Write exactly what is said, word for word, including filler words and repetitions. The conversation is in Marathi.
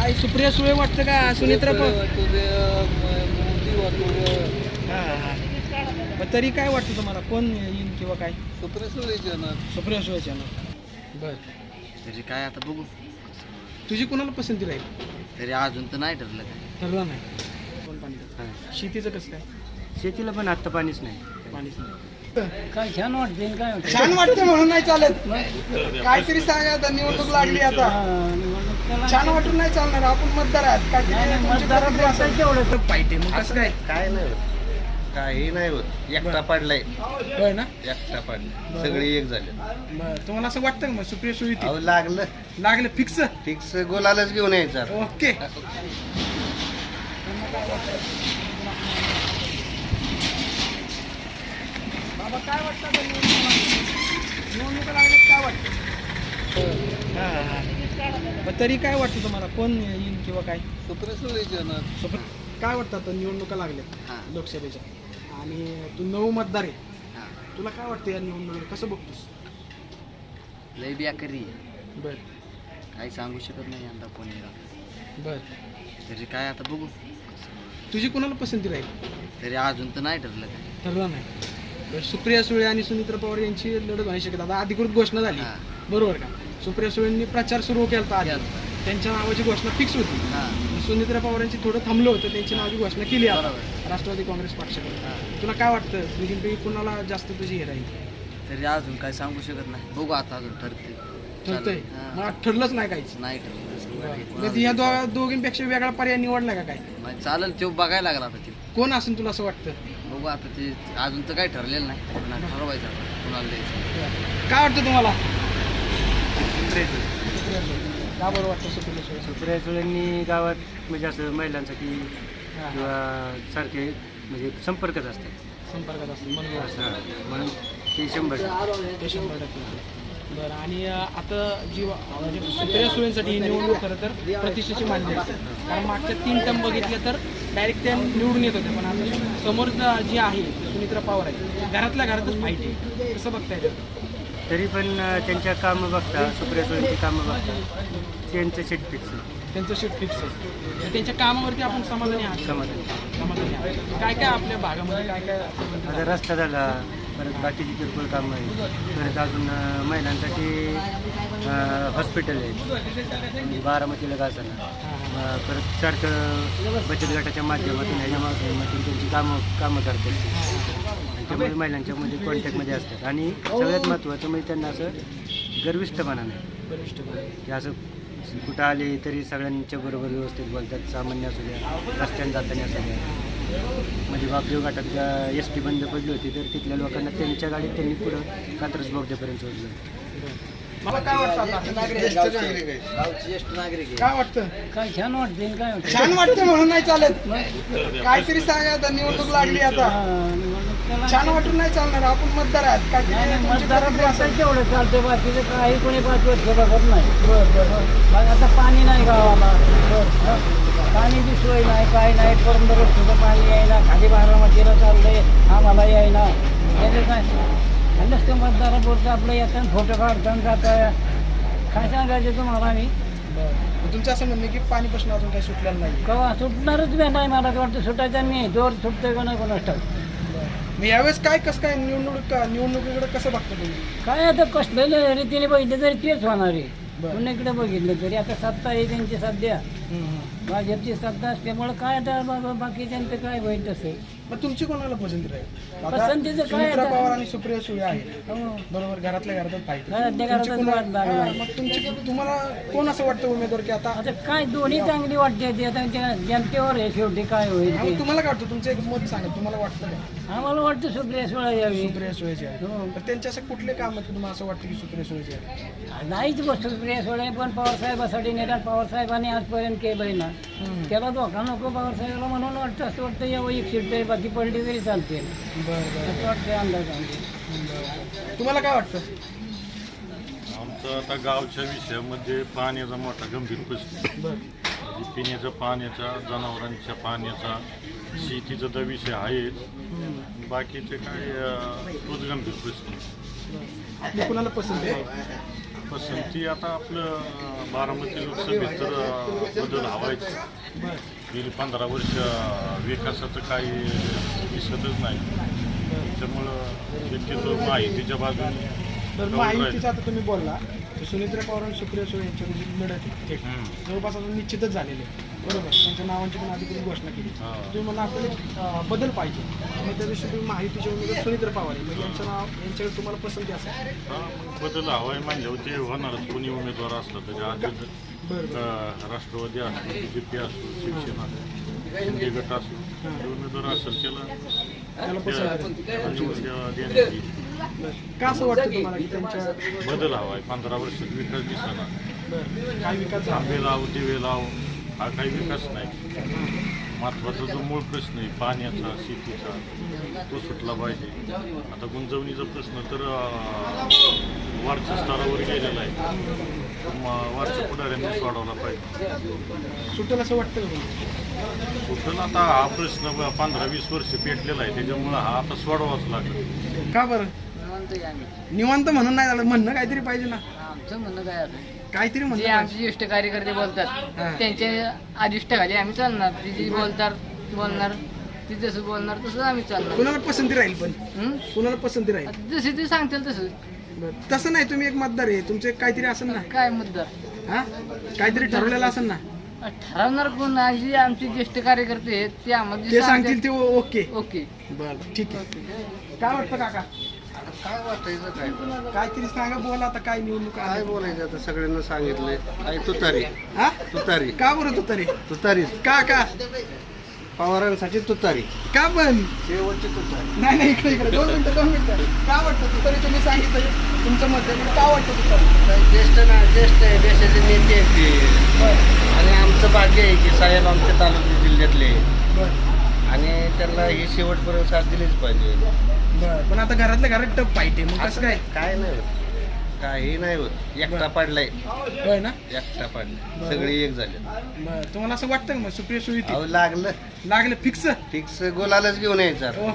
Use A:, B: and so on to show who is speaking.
A: काय सुप्रिया सुळे वाटतं का सुनेत्रा प हा हा मग तरी काय वाटतं तुम्हाला कोण येईल किंवा काय?
B: सुप्रिया सुळेच येणार.
A: सुप्रिया सुळेच येणार. बर
C: तरी काय आता बघू.
A: तुझी कोणाला पसंती राहील?
C: तरी अजून तर नाही ठरलं काय.
A: ठरलं नाही. कोण पाणी शेतीचं कसं काय?
D: शेतीला पण आत्ता पाणीच नाही.
A: पाणीच नाही.
D: काय छान वाटते काय
A: छान वाटतं म्हणून नाही चालत. काहीतरी सांगा आता निवडणूक लागली आता. छान वाटून नाही चालणार. आपण मतदार आहात. काहीतरी पाहिजे मग कसं काय?
B: काय नाही होत. काही नाही होत. एकटा पडलाय.
A: होय ना?
B: एकटा पडलाय. सगळे एक झाले.
A: बरं तुम्हाला असं वाटतं का मग सुप्रिया सुळे येतील?
B: अहो लागलं
A: लागलं फिक्स?
B: फिक्स गोलालाच घेऊन यायचं.
A: ओके. बाबा काय वाटतं आता निवडणुका निवडणुका लागल्यात काय वाटतं? हा हा मग तरी काय वाटतं तुम्हाला कोण येईल किंवा काय?
B: सुप्रिया सुळेच येणार.
A: सुप्र काय वाटतं आता निवडणुका लागल्यात
C: हां
A: लोकसभेच्या आणि तू नऊ मतदार आहे,
C: हां
A: तुला काय वाटतं या निवडणुकीला कसं बघतोस?
C: लय बेकारी आहे.
A: बर
C: काही सांगू शकत नाही यंदा कोण येईल.
A: बर
C: तरी काय आता बघू.
A: तुझी कोणाला पसंती राहील?
C: तरी अजून तर नाही ठरलं काय.
A: ठरलं नाही. बरं, सुप्रिया सुळे आणि सुनेत्रा पवार यांची लढत होऊ शकते. आता अधिकृत घोषणा झाली
C: हां
A: बरोबर का? सुप्रिया सुळेंनी प्रचार सुरू केला आधी,
C: केलता.
A: त्यांच्या नावाची घोषणा फिक्स होती.
C: हां
A: सुनेत्रा पवारांची थोडं थांबलं होतं, त्यांची नावाची घोषणा केली आता
C: बरोबर.
A: राष्ट्रवादी काँग्रेस पक्षाकडे.
C: हां
A: तुला काय वाटतं दोघींपैकी कुणाला जास्त तुझी हे राहील?
C: तरी अजून काय सांगू शकत नाही. बघू आता अजून ठरते.
A: ठरतंय
C: हां.
A: मग ठरलंच नाही काहीच.
C: नाही ठरलं.
A: कधी या दो दोघींपेक्षा वेगळा पर्याय निवडला का काय?
C: मग चालेल तो बघायला लागला आता ते.
A: कोण असेल तुला असं वाटतं?
C: बघू आता ते अजून तर काही ठरलेलं नाही. पण ठरवायचं आता कुणाला द्यायचं.
A: काय वाटतं तुम्हाला?
D: सुप्रिया सुळे.
A: सुप्रिया सुळे. का बरं वाटतं सुप्रिया सुळे?
D: सुप्रिया सुळेंनी गावात म्हणजे असं महिलांसाठी
A: हां,
D: किंवा सारखे म्हणजे संपर्कच असतात.
A: संपर्कात असतं म्हणून
D: असं म्हणून ते शंभर टक्के.
A: ते शंभर टक्के. बरं आणि अं, आता जी वा- म्हणजे सुप्रिया सुळेंसाठी ही निवडणूक खरं तर प्रतिष्ठेची मानली जाते. कारण मागच्या तीन टर्म बघितल्या तर डायरेक्ट त्या निवडून येत होते, पण आता समोर जी आहे ती सुनेत्रा पवार आहे, घरातल्या घरातच फाईट आहे. कसं बघताय ते?
D: तरी पण अं, त्यांच्या कामं बघता सुप्रिया सुळेंची कामं बघता त्यांचं शेट फिक्स
A: त्यांचं शीट फिक्स आहे. त्यांच्या कामावरती आपण समाधानी आहात?
D: समाधान.
A: समाधानी आहात. काय काय आपल्या भागामध्ये काय काय
D: आता रस्ता झाला, परत बाकीची किरकोळ कामं आहे, परत अजून अं, महिलांसाठी अं, हॉस्पिटल आहे बारामतीला गासाला, अं, परत सारखं बचत गटाच्या माध्यमातून ह्याच्या माध्यमातून त्यांची कामं कामं करतात. त्यामुळे महिलांच्यामध्ये कॉन्टॅक्टमध्ये असतात आणि सगळ्यात महत्त्वाचं म्हणजे त्यांना असं गर्विष्ठपणा नाही.
A: वरिष्ठ
D: की असं कुठं आले तरी सगळ्यांच्या बरोबर व्यवस्थित बोलतात. सामान्य असू द्या, रस्त्याने जाताना असू द्या. म्हणजे बापदेव घाटात एस टी बंद पडली होती तर तिथल्या लोकांना त्यांच्या गाडीत त्यांनी पुढं कात्रज बोगद्यापर्यंत सोडलं.
A: मला काय वाटतं आता?
C: गावची ज्येष्ठ नागरिक आहे.
A: काय वाटतं?
D: काय छान वाटते काय
A: छान वाटतं म्हणून नाही चालत. काहीतरी सांगा आता निवडणूक लागली आता. छान वाटून नाही चालणार. आपण मतदार आहात. काहीतरी
D: मतदारात असेल तेवढं चालतं, बाकीचं काही कोणी पाच वर्ष बघत नाही. बरं बरं मग आता पाणी नाही गावाला, पाणीची सोय नाही, काय नाही, परंबर सुद्धा पाणी यायला, खाली बारामतीला चाललंय आम्हाला यायला. त्याचं काय नुसतं मतदारापुरतं आपलं येतं, फोटो काढताना जातं. काय सांगायचं तुम्हाला आम्ही?
A: तुमचं असं म्हणणं की पाणी प्रश्न अजून काही सुटलेला नाही.
D: कवा सुटणारच बी नाही, मला तर वाटतं सुटायचा नाही. जोर सुटतोय का नाही कोणास ठाऊक.
A: मग यावेळेस काय कसं काय निवडणूक निवडणुकीकडे कसं बघतो तुम्ही?
D: काय आता कसलेल्या रीतीने बघितलं तरी तेच होणार आहे.
A: बरं.
D: पुण्याकडे बघितलं तरी आता सत्ता आहे त्यांची सध्या, भाजपची सत्ता असल्यामुळे काय आता बाबा बाकी त्यांचं काय होईल तसं.
A: मग तुमची कोणाला पसंती राहील? आता
D: पसंतीचं काय
A: सुनेत्रा
D: आता?
A: पवार आणि सुप्रिया सुळे आहेत
D: हो.
A: बरोबर, घरातल्या घरातच पाहिजे.
D: घरातल्या घरातच वाट लागली.
A: मग तुमची तुम्हाला कोण असं वाटतं उमेदवार की आता
D: आता काय दोन्ही चांगली वाटते ते आता त्या जनतेवर आहे शेवटी काय होईल
A: हा,
D: ते.
A: मग तुम्हाला काय वाटतं? तुमचं एक मत सांगा, तुम्हाला वाटतं का
D: आम्हाला वाटतं सुप्रिया सुळे यावी.
A: सुप्रिया सुळेचे आहे?
D: हो.
A: तर त्यांचे असं कुठले काम आहे तुम्हाला असं वाटतं की सुप्रिया सुळेचे आहे?
D: नाहीच बस सुप्रिया सुळे पण पवारसाहेबासाठी नेतात. पवारसाहेबांनी आजपर्यंत केलंय ना, त्याला धोका नको पवारसाहेबाला म्हणून वाटतं असं वाटतं यावं एक सीट तरी बाकी पडली तरी चालते.
A: बरं बरं
D: असं वाटतं अंदाज आमचे.
A: बरं. तुम्हाला काय वाटतं?
E: आमचं आता गावच्या विषयामध्ये पाण्याचा मोठा गंभीर प्रश्न,
A: बरं
E: म्हणजे पिण्याच्या पाण्याचा, जनावरांच्या पाण्याचा, शेतीचा तर विषय आहे. बाकीचे काय अं, तोच गंभीर प्रश्न.
A: आपली कुणाला पसंती आहे?
E: पसंती आता आपलं अं, बारामती लोकसभेत तर अं, बदल हवायच.
A: बरं
E: गेली पंधरा वर्ष विकासाचं काही दिसतच नाही. त्याच्यामुळं शक्यतो माहितीच्या बाजूने
A: बरं
E: जाऊन
A: महायुतीचं
E: राहिलं.
A: आता तुम्ही बोलला तर सुनेत्रा पवार आणि सुप्रिया सुळे यांच्यामध्ये जी लढत आहे थेट
E: हम्म.
A: जवळपास आता निश्चितच झालेले आहे बरोबर. त्यांच्या नावांची पण अधिकृत घोषणा केली.
E: हा.
A: तुम्ही मला आपल्याला एक, अं, बदल पाहिजे मग त्या दिवशी तुम्ही महायुतीचे उमेदवार सुनेत्रा पवार आहे मग यांचं नाव यांच्याकडे तुम्हाला पसंती असेल.
E: हा, मग बदल हवाय म्हणल्यावर ते होणारच. कोणी उमेदवार असला तरी आज
A: बरं बरं
E: अं, राष्ट्रवादी असो बी जे पी असो शिवसेना शिंदे गट असो जे उमेदवार असेल त्याला
A: त्याला पसंती
E: त्या- निवड द्या- देण्याची
A: बरं का असं वाटतं तुम्हाला की त्यांच्या
E: बदल हवाय. पंधरा वर्षात विकास दिसना.
A: बरं काय विकास झाला
E: आंबे लाव दिवे लाव हा काही विकास नाही. महत्वाचा जो मूळ प्रश्न आहे पाण्याचा शेतीचा तो सुटला पाहिजे. आता गुंजवणीचा प्रश्न तर अं, वरच्या स्तरावर गेलेला आहे. म- वरच्या पुढाऱ्यांनी सोडवला पाहिजे.
A: सुटेल असं वाटतं का तुम्हाला?
E: कुठं आता हा प्रश्न ब- पंधरा वीस वर्ष पेटलेला आहे त्याच्यामुळं हा आता सोडवाच लागेल.
A: का बरं
C: म्हणतोय आम्ही
A: निवांत म्हणून नाही झालं म्हणणं काहीतरी पाहिजे ना
C: आमचं म्हणणं काय आहे
A: काहीतरी
C: जे
A: म्हणणं
C: आमचे ज्येष्ठ कार्यकर्ते बोलतात
A: हा.
C: त्यांच्या अधिष्ठाखाली आम्ही चालणार. ते जे बोलतात बोलणार ते जसं बोलणार तसं आम्ही चालणार.
A: कुणाला पसंती राहील पण
C: हं?
A: कुणाला पसंती राहील
C: आता जसे ते सांगतील तसं
A: बरं. तसं नाही तुम्ही एक मतदार आहे तुमचं एक काहीतरी असेल ना
C: काय मुद्दा
A: हा काहीतरी ठरवलेलं असेल ना
C: ठरवणार कोण आहे? जे आमचे ज्येष्ठ कार्यकर्ते आहेत ते आम्हाला जे
A: ते सांगतील ते ओ- ओके
C: ओके
A: बरं ठीक आहे काय वाटतं काका
B: काय वाटायचं काय
A: काहीतरी सांगा बोला आता काय निवडणूक
B: काय
A: आहे
B: बोलायचं आता सगळ्यांना सांगितलंय काय तुतारी
A: हा
B: तुतारी
A: का बरं तू तरी
B: तुतारी
A: का का
B: पवारांसाठी तुतारी
A: का पण
B: शेवटची तुतारी.
A: नाही नाही इकडे इकडे दोन मिनिटं दोन मिनिटं का वाटतं तू तरी तुम्ही सांगितलं तुमचं मत आहे का वाटतं तू तरी
B: काय ज्येष्ठ ना ज्येष्ठ आहे देशाचे नेते आहेत ते
A: बरं
B: आणि आमचं भाग्य आहे की साहेब आमच्या तालुक्या जिल्ह्यातले
A: बरं
B: आणि त्यांना ही शेवटपर्यंत साथ दिलीच पाहिजे.
A: बरं पण आता घरातल्या घरात टप पाहिजे मग कसं काय
B: काय नाही होत काही नाही होत एकटा पाडलाय
A: होय ना
B: एकटा पाडलाय सगळे एक झाले.
A: बरं तुम्हाला असं वाटतं का मग सुप्रिया सुळे
B: अहो लागलं
A: लागलं फिक्स
B: फिक्स गोलालाच घेऊन यायचं.